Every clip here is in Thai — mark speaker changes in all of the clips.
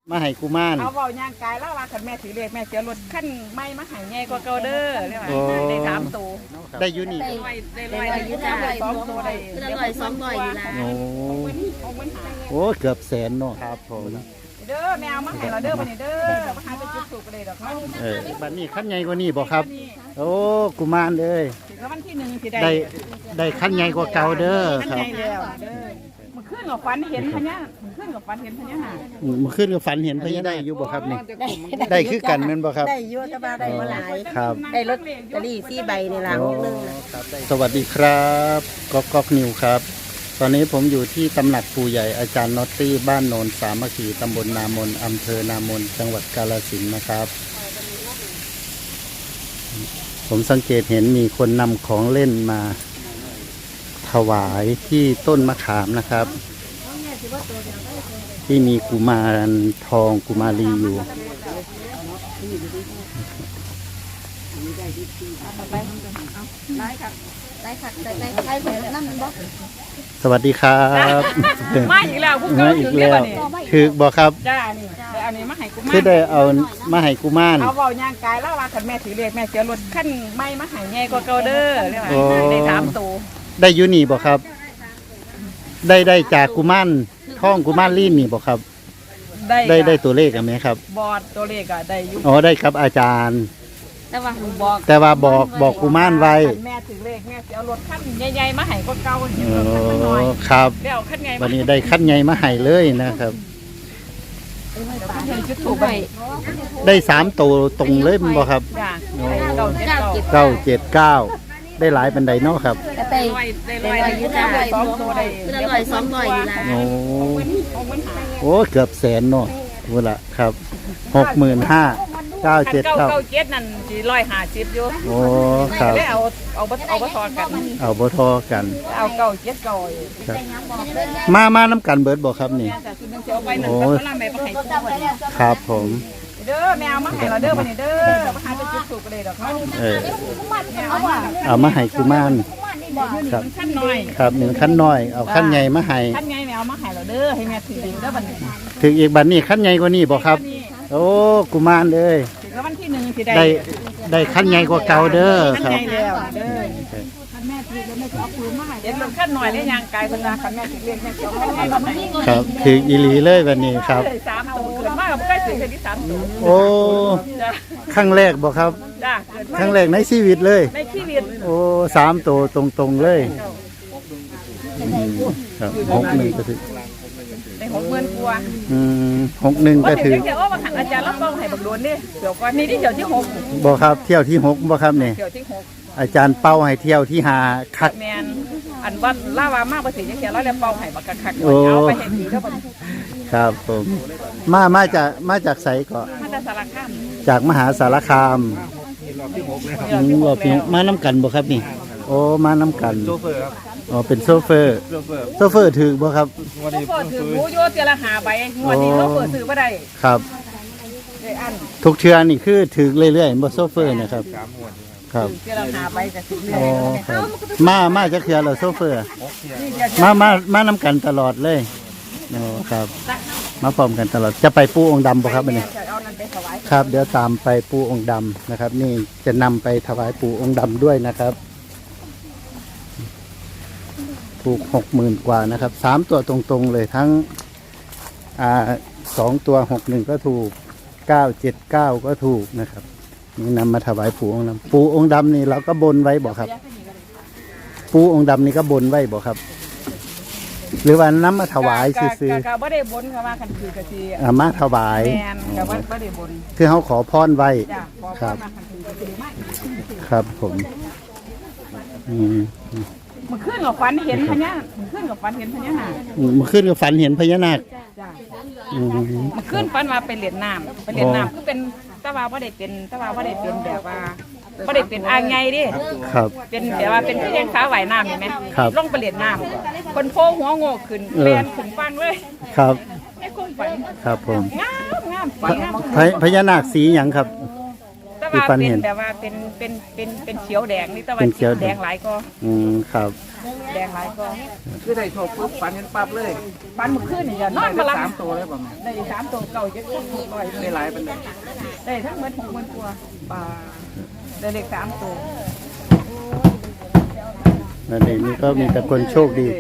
Speaker 1: มาให้กุมาร
Speaker 2: เอาเบาย่างกายแล้วว่าขันแม่ถือเลขแม่เสียรถขั้นไม่มาหายง่ายกว่าเก่าเด้อเรียกว่าได้3 ตัว
Speaker 1: ได้ยูนี่
Speaker 2: ได้ลอยได้2 ตัวได้
Speaker 3: ลอย200อยู่แล้ว
Speaker 1: โอ้เกือบ100,000เนาะครับผม
Speaker 2: เด้อแมวมาให้เราเด้อวันนี้เด้อมาหาไปจุดถูกเลยดอก
Speaker 1: บัดนี้ขั้นใหญ่กว่านี้บ่ครับโอ้กุมารเลย
Speaker 2: ถึงวันที่1สิ
Speaker 1: ได้ขั้นใหญ่กว่าเก่าเด้อครับ
Speaker 2: มันขึ้นกับฟันเห็นพญามันขึ้นกับฟันเห็นพญานาค
Speaker 1: มันขึ้นกับฝันเห็นพญานาคอยู่บ่ครับนี่ได้คือกันแม่นบ่ครับ
Speaker 3: ได้อยู่แต่ว่าได้บ่หลาย
Speaker 1: ครับ
Speaker 3: ได้ลอตเตอรี่4 ใบนี่ล่ะนึง
Speaker 1: สวัสดีครับก๊อกนิวครับตอนนี้ผมอยู่ที่ตำหนักปู่ใหญ่อาจารย์น็อตตี้บ้านโนนสามัคคีตำบลนามนอำเภอนามนจังหวัดกาฬสินธุ์นะครับผมสังเกตเห็นมีคนนำของเล่นมาถวายที่ต้นมะขามนะครับที่มีกุมารทองกุมารีอยู่สวัสดีครับ
Speaker 2: มาอีกแล้วผู้
Speaker 1: มาอีกแล้วคือบอกครับ
Speaker 2: จ้านี่อันนี้มาให้กุมาร
Speaker 1: คือได้เอามาให้กุมาร
Speaker 2: เอาเบาย่างกายแล้วว่าขันแม่ถือเลขแม่เสียรถขั้นไม่มาหายง่ายกว่าเก่าเด้อเรียกว่าได้3 ตัว
Speaker 1: ได้ยูนี่บอกครับได้จากกุมารท่องกุมารลีนนี่บอกครับได้ตัวเลขไหมครับ
Speaker 2: บอดตัวเลขอะได้ยุ
Speaker 1: อ๋อได้ครับอาจารย์
Speaker 2: แต่ว่า
Speaker 1: บอกกุมารไว้
Speaker 2: แม่ถือเลขแม่เอารถขั้นใหญ่ๆมาให้กว่าเก่าเห็นรถขั้น
Speaker 1: น้อยครับวันนี้ได้ขั้นใหญ่มาให้เลยนะครับได้3 ตัวตรงเลยมั้งบอกครับ979ได้หลายบันไดเนาะครับ
Speaker 3: ได้ลอยอยู่จ้า2 ตัวได้ลอย200อยู่แล้ว
Speaker 1: โอ้เกือบ100,000เนาะพูดละครับ65,000 979
Speaker 2: นั่นสิ150อยู่
Speaker 1: โอ้ครับ
Speaker 2: เอาบ่ทอกัน
Speaker 1: เอาบ่ทอกัน
Speaker 2: เอา979
Speaker 1: ครับมาน้ำกันเบิดบ่ครับนี่โอ้ครับผม
Speaker 2: เด้อแมวมาให้เราเด้อวันนี้เด้อมาหาไปจุดถูกเลยดอก
Speaker 1: เอามาให้กุมารครับ
Speaker 2: ขั้นน้อย
Speaker 1: ครับ1ขั้นน้อยเอาขั้นใหญ่มาให้
Speaker 2: ขั้นใหญ่แมวมาให้เราเด้อให้แม่ถือเด้อบัดนี้
Speaker 1: ถึงอีกบัดนี้ขั้นใหญ่กว่านี้บ่ครับโอ้กุมารเลย
Speaker 2: ถึงวันที่1สิ
Speaker 1: ได้ขั้นใหญ่กว่าเก่าเด้อครับ
Speaker 2: ขั้นใหญ่แล้วเด้อขั้นแม่ถือแล้วแม่จะเอาปืนมาให้เดี๋ยวขั้นน้อยแล้วย่างกายเพิ่นว่าขั้นแม่ถือเรียนแม่จะเอาให้บัดนี้
Speaker 1: ครับถึงอีหลีเลยวันนี้ครับ
Speaker 2: 3 ตัวเกิดมาก็ใกล้ถึงที่3 ตัว
Speaker 1: โอ้ครั้งแรกบ่ครับ
Speaker 2: จ้าเกิด
Speaker 1: ครั้งแรกในชีวิตเลย
Speaker 2: ในชีวิต
Speaker 1: โอ้3 ตัวตรงๆเลยครับ61ก็ถึง
Speaker 2: ได้60,000 กว่า
Speaker 1: 61ก็ถึง
Speaker 2: เดี๋ยวว่าอาจารย์รับรองให้บักโดนนี่เดี๋ยวก่อนนี่ที่เที่ยวที่6
Speaker 1: บ่ครับเที่ยวที่6บ่ครับนี่
Speaker 2: เที่ยวที่6
Speaker 1: อาจารย์เป้าให้เที่ยวที่5คัก
Speaker 2: แม่นอันว่าล่าวามากบ่สิจังซี่แล้วแล้วเป้าให้บักคักเอาไปให้ดีเด้อบัด
Speaker 1: ครับผมมาจากไสก็
Speaker 2: มาจากสารคาม
Speaker 1: จากมหาสารคามรอบที่6มาน้ำกันบ่ครับนี่โอ้มาน้ำกัน
Speaker 4: โซเฟอร์ครับ
Speaker 1: อ๋อเป็นโซเฟอร์ถือบ่ครับ
Speaker 2: โซเฟอร์ถือหมูโยเตียละ5 ใบงวดนี้โซเฟอร์ซื้อบ่ได้
Speaker 1: ครับ
Speaker 2: ได้อัน
Speaker 1: ทุกเทื่อนี่คือถือเรื่อยๆบ่โซเฟอร์นะครับครับ
Speaker 2: เตียละ5 ใบก็ซื้อ
Speaker 1: อ๋อครับมาจักเทื่อแล้วโซเฟอร์มาน้ำกันตลอดเลยอ๋อครับมาพร้อมกันตลอดจะไปปูองค์ดำบ่ครับอันนี้ครับเดี๋ยวตามไปปูองค์ดำนะครับนี่จะนำไปถวายปูองค์ดำด้วยนะครับถูก60,000 กว่านะครับ3 ตัวตรงๆเลยทั้ง2 ตัว61ก็ถูก979ก็ถูกนะครับนี่นำมาถวายปูองค์ดำปูองค์ดำนี่เราก็บนไว้บ่ครับปูองค์ดำนี่ก็บนไว้บ่ครับหรือว่าน้ำมาถวายซื้อ
Speaker 2: ก็บ่ได้บนค่ะว่าคันคือกะสิ
Speaker 1: มาถวาย
Speaker 2: แม่นก็บ่ได้บน
Speaker 1: คือเฮาขอพรไว้ครับครับผม
Speaker 2: มันขึ้นกับฝันเห็นพญามันขึ้นกับฝันเห็นพญานาค
Speaker 1: มันขึ้นกับฝันเห็นพญานาค
Speaker 2: จ้ะมันขึ้นฝันว่าไปเล่นน้ำคือเป็นตะว่าบ่ได้เป็นแบบว่าบ่ได้เป็นอ่างใหญ่ดิ
Speaker 1: ครับ
Speaker 2: เป็นแบบว่าเป็นเพียงฟ้าว่ายน้ำเห็นมั้ยลงไปเล่นน้ำคนโพหัวโง่ขึ้นเรียนขึ้นฟังเลย
Speaker 1: ครับ
Speaker 2: ไอ้คนฝัน
Speaker 1: ครับผม
Speaker 2: งามฝันงาม
Speaker 1: พญานาคสีหยังครับ
Speaker 2: แต่ว่าเป็นแบบว่าเป็นเขียวแดงนี่แต่ว่าแดงหลายก็
Speaker 1: ครับ
Speaker 2: แดงหลายก็
Speaker 4: คือได้โชคปุ๊บฝันเห็นปั๊บเลย
Speaker 2: ปันมื้อคืนนี่จะนอน
Speaker 4: ได้
Speaker 2: บ่หลับ
Speaker 4: 3ตัวเลยบ่แม่
Speaker 2: ได้3ตัวเก่า7ตัวร้อย
Speaker 4: ได้หลายปานใด
Speaker 2: ได้ทั้งหมด60,000กว่าบาทได้เลข3ตัว
Speaker 1: นั่นเองนี่ก็มีแต่คนโชคดี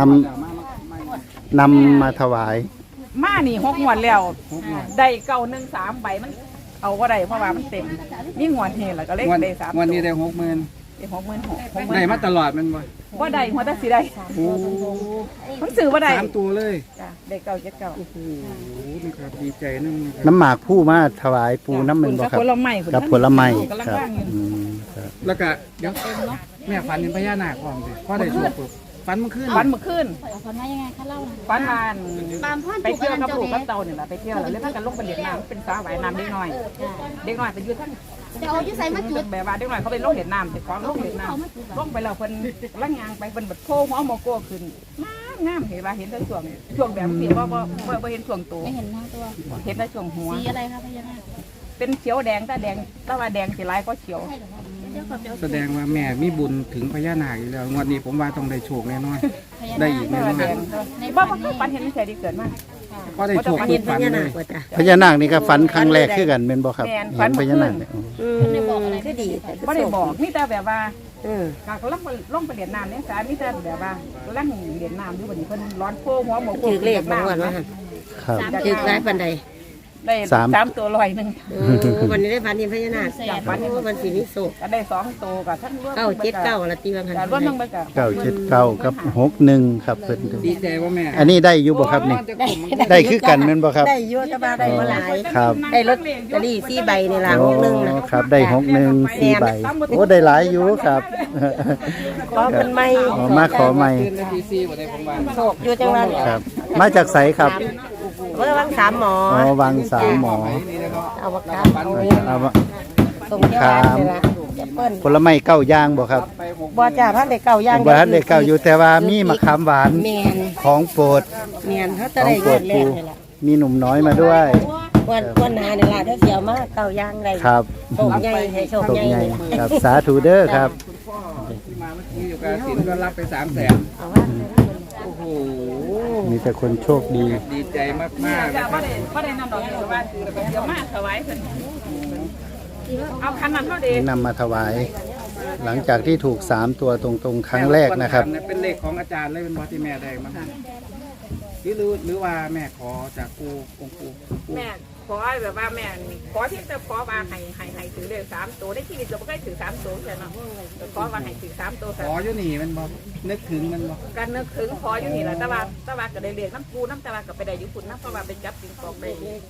Speaker 1: นำมาถวาย
Speaker 2: มานี่6งวดแล้วได้913ใบมันเอาบ่ได้เพราะว่ามันเต็มมีงวดเฮแล้วก็เลข
Speaker 4: วัน
Speaker 2: ได้3
Speaker 4: วันนี้ได้ 60,000
Speaker 2: ได้66,000
Speaker 4: ได้มาตลอดมันบ่
Speaker 2: บ่ได้หัวตาสิได้
Speaker 4: โอ้
Speaker 2: มันซื้อบ่ได้
Speaker 4: 3ตัวเลย
Speaker 2: จ้ะได้979
Speaker 4: โอ้โหนะครับดีใจนำ
Speaker 1: น้ำหมากผู้มาถวายปูน้ำมันบ่ครับ
Speaker 2: ผลไม้
Speaker 1: กับผลไม้
Speaker 2: กำลัง
Speaker 1: ครับ
Speaker 2: ว่างอยู่
Speaker 1: ครับ
Speaker 4: แล้วก็เดี๋ยวแม่ฝันเห็นพญานาคพร้อมสิพอได้โชคปุ๊บฝันมันขึ้น
Speaker 2: ฝันเมื่อคืน
Speaker 3: ฝันว่ายังไงคะเล่า
Speaker 2: ฝันวาน
Speaker 3: ตามพ่อ
Speaker 2: ไปเที่ยวกับลูกกับเต่าเนี่ยแหละไปเที่ยวแล้วเล่นกันลงไปเล่นน้ำเป็นสาหวายน้ำเด็กน้อยเด็กน้อยไปยืนทั้ง
Speaker 3: จะเอาที่ใส่มาจุด
Speaker 2: แบบว่าเด็กน้อยเขาไปลงเล่นน้ำไปของลงเล่นน้ำลงไปแล้วเพิ่นล่างยางไปเพิ่นบัดโพหัวโมโก้ขึ้นงามเห็นว่าเห็นแต่ช่วงแบบเสียว่าเห็นช่วงตัว
Speaker 3: ไม่เห็นทั้งตัว
Speaker 2: เห็นแต่ช่วงหัว
Speaker 3: สีอะไรคะพญานาค
Speaker 2: เป็นเขียวแดงแต่แดงแต่ว่าแดงสีลายก็เขียว
Speaker 3: เดี๋ยวก่อนเดี๋ยว
Speaker 4: แสดงว่าแม่มีบุญถึงพญานาคอยู่แล้วงวดนี้ผมว่าต้องได้โชคแน่นอน
Speaker 3: พญา
Speaker 4: ได้
Speaker 3: นา
Speaker 4: อี
Speaker 3: ค
Speaker 4: กแน่นอน
Speaker 2: แดงบ้าฝันเห็นไม่ใช่ดีเกิดมาก
Speaker 4: ก็ได้โชคทุกฝันเลย
Speaker 1: พญานาคนี่ก็ฝันครั้งแรกคือกันเป็นบ่ครับ
Speaker 2: แม่นฝั
Speaker 1: เห็
Speaker 2: น
Speaker 1: น
Speaker 2: เมื่
Speaker 1: พ
Speaker 2: อคืน
Speaker 1: ญานาคเนี่ย
Speaker 3: ไม่บอกอะไรก็ดี
Speaker 2: ไม่ได้บอกนี่แต่แบบว่าก็ล่องไปเรียนน้ำเนี่ยสายนี่แต่แบบว่าล่างเรียนน้ำอยู่บนนี้เพิ่นร้อนโพหัวโมโก้
Speaker 5: ถือเลขบางวันว่า
Speaker 1: ครับ
Speaker 5: ถือร้ายปันใด
Speaker 2: ได้ 3 ตัว100นึง
Speaker 5: วันนี้ได้พันนินพญานาควันสีนิโศก
Speaker 2: ก็ได้2 ตัวกับทั้งรวม
Speaker 5: 979ละตีบางคัน
Speaker 2: แต่รวมทั้งไปกับ
Speaker 1: 979กับ61ครับเพิ่น
Speaker 4: ดีใจว่าแม่
Speaker 1: อันนี้ได้อยู่บ่ครับนี่ได้คือกันแม่นบ่ครับ
Speaker 5: ได้เยอะก็มาได้มาหลาย
Speaker 1: ครับ
Speaker 5: ได้ลอตเตอรี่4ใบในหลังนึงนะ
Speaker 1: ครับได้61 4ใบโอ้ได้หลายอยู่ครับ
Speaker 5: ขอเป็นไม่
Speaker 1: อ๋อมาขอใหม่
Speaker 4: ตื่นนาที4บ่ได้ผมว่า
Speaker 5: โศกอยู่จังหวัด
Speaker 1: ครับ มาจากไสครับ
Speaker 5: เมื่อวัน3หมอ
Speaker 1: อ๋อวังสามหมอ
Speaker 4: นี่แล้วก็
Speaker 5: เอาวัคซีน
Speaker 4: ฝันพญานา
Speaker 1: เอา
Speaker 4: ค
Speaker 1: มา
Speaker 5: ส่งเที่ยวร้านเลยล่ะเปิ้น
Speaker 1: ผลไม้เก้าอย่างบ่ครับ
Speaker 4: ไป6
Speaker 5: บ่จ่าพันได้เก่าย่าง
Speaker 1: บ่ทันได้เก้าอยู่แต่ว่ามีมะขามหวาน
Speaker 5: แมน
Speaker 1: ของโปรด
Speaker 5: แมนเขา
Speaker 1: ข
Speaker 5: จะ
Speaker 1: อง
Speaker 5: ได้
Speaker 1: โปร
Speaker 5: เงิ
Speaker 1: ด
Speaker 5: นแร
Speaker 1: ปู
Speaker 5: กเลยล่ะ
Speaker 1: มีหนุ่มน้อยมาด้วย
Speaker 5: วันหนาเนี่ยล่ะเดี๋ยวเสียวมาเก่าย่างได้
Speaker 1: ครับ
Speaker 5: โชคใหญ่ให้โชค
Speaker 1: ตก
Speaker 5: ใหญ่
Speaker 1: ใหญ่ครับสาธุเด้อครับ
Speaker 4: คุณพ่อที่มาเมื่อกี้อยู่กับสินก็รับไป300,000
Speaker 5: เอาว่า
Speaker 4: โอ้โห
Speaker 1: มีแต่คนโชคดี
Speaker 4: ดีใจมากๆ
Speaker 2: แต่
Speaker 4: นะค
Speaker 2: บ่
Speaker 4: รับ
Speaker 2: ได้นำดอกนี้ว่าเดี๋ยวมาถวายเพิ่นเอาคันนั้นเท่าเดี
Speaker 1: นำมาถวาย หลังจากที่ถูก3ตัวตรงๆครั้งแรกนะครับ
Speaker 4: เป็นเลขของอาจารย์เลยเป็นบอที่แม่ได้มาหรือว่าแม่ขอจากครูองค์ครู
Speaker 2: แม่ขอแบบว่าแม่ขอที่จะขอว่าให้ถือเลข3ตัวได้ชีวิตเราไม่เคยถือ3ตัวใช่ไหมขอว่าให้ถือ3ตัว
Speaker 4: ขออยู่นี่มันบอกนึกถึงมันบอก
Speaker 2: การนึกถึงขออยู่นี่แหละแต่ว่าก็ได้เรียกน้ำปูน้ำตาลก็ไปได้อยู่คุณน้ำเพราะว่าไปจับปิงปองได้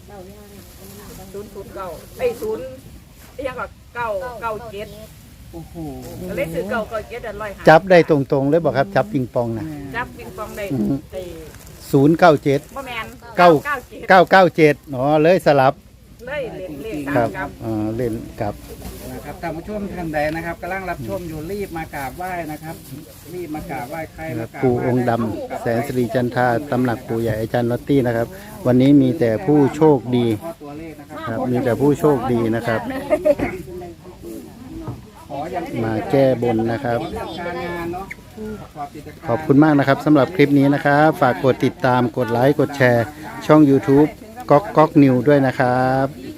Speaker 2: 009ไอ้0ยังก็997
Speaker 4: โอ้โห
Speaker 2: ก็เลยถือ997อัน100
Speaker 1: จับได้ตรงๆเลยบ่ครับ จับปิงปองนะ
Speaker 2: จับปิงปองได้ไอ้
Speaker 1: 097
Speaker 2: บ่แม่น
Speaker 1: 997อ๋อเลยสลับ
Speaker 2: เลยเลข
Speaker 1: ครับ
Speaker 2: 3กับ
Speaker 1: เล่นกับ
Speaker 4: นะครับท่านผู้ชมท่านใดนะครับกำลังรับชมอยู่รีบมากราบไหว้นะครับ รีบมากราบไหว้ใครมากราบ
Speaker 1: ปู่
Speaker 4: ไหว้
Speaker 1: องค์ดำแสนสิริจันทราตำหนักปู่ใหญ่อาจารย์ลอตตี้นะครับ วันนี้มีแต่ผู้โชคดี
Speaker 4: ขอตัวเลขนะครับ
Speaker 1: ครับ มีแต่ผู้โชคดีนะครับ
Speaker 4: ขออย่าง
Speaker 1: มาแก้บนนะครับ
Speaker 4: การงานเนาะกิจการ
Speaker 1: ขอบคุณมากนะครับสำหรับคลิปนี้นะครับ ฝากกดติดตามกดไลค์กดแชร์ ช่อง YouTube ก๊อกนิวด้วยนะครับ